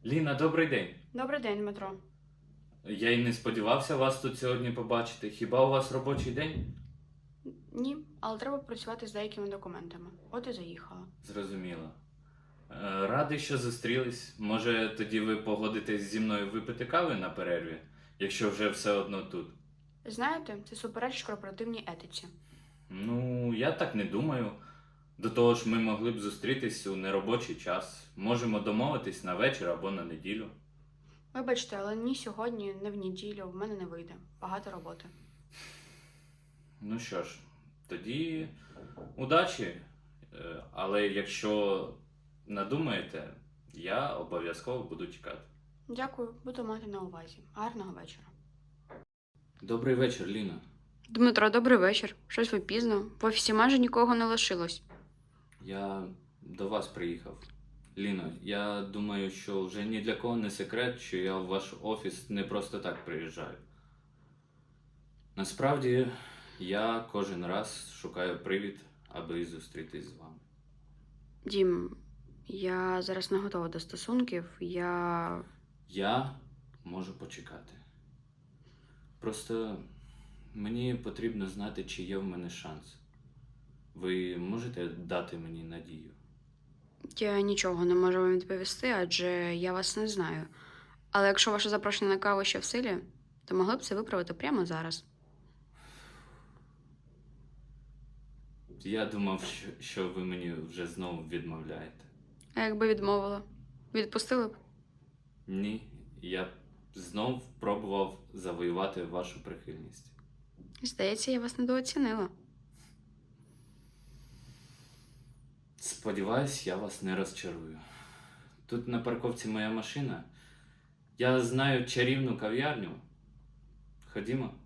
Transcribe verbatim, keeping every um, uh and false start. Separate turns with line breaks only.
Ліна, добрий день.
Добрий день, Дмитро.
Я й не сподівався вас тут сьогодні побачити. Хіба у вас робочий день?
Ні, але треба працювати з деякими документами. От і заїхала.
Зрозуміло. Е, Радий, що зустрілись. Може, тоді ви погодитесь зі мною випити кави на перерві, якщо вже все одно тут.
Знаєте, це суперечить корпоративній етиці.
Ну, я так не думаю. До того ж, ми могли б зустрітись у неробочий час. Можемо домовитись на вечір або на неділю.
Вибачте, але ні сьогодні, ні в неділю в мене не вийде. Багато роботи.
Ну що ж, тоді удачі. Е, Але якщо надумаєте, я обов'язково буду чекати.
Дякую, буду мати на увазі. Гарного вечора.
Добрий вечір, Ліна.
Дмитро, добрий вечір. Щось ви пізно. В офісі майже нікого не лишилось.
Я до вас приїхав. Ліно, я думаю, що вже ні для кого не секрет, що я в ваш офіс не просто так приїжджаю. Насправді, я кожен раз шукаю привід, аби зустрітись з вами.
Дім, я зараз не готова до стосунків. Я.
Я можу почекати. Просто мені потрібно знати, чи є в мене шанс. Ви можете дати мені надію?
Я нічого не можу вам відповісти, адже я вас не знаю. Але якщо ваше запрошення на каву ще в силі, то могли б це виправити прямо зараз.
Я думав, що, що ви мені вже знову відмовляєте.
А якби відмовила? Відпустили б?
Ні, я б знов пробував завоювати вашу прихильність.
Здається, я вас недооцінила.
Сподіваюсь, я вас не розчарую. Тут на парковці моя машина. Я знаю чарівну кав'ярню. Ходімо.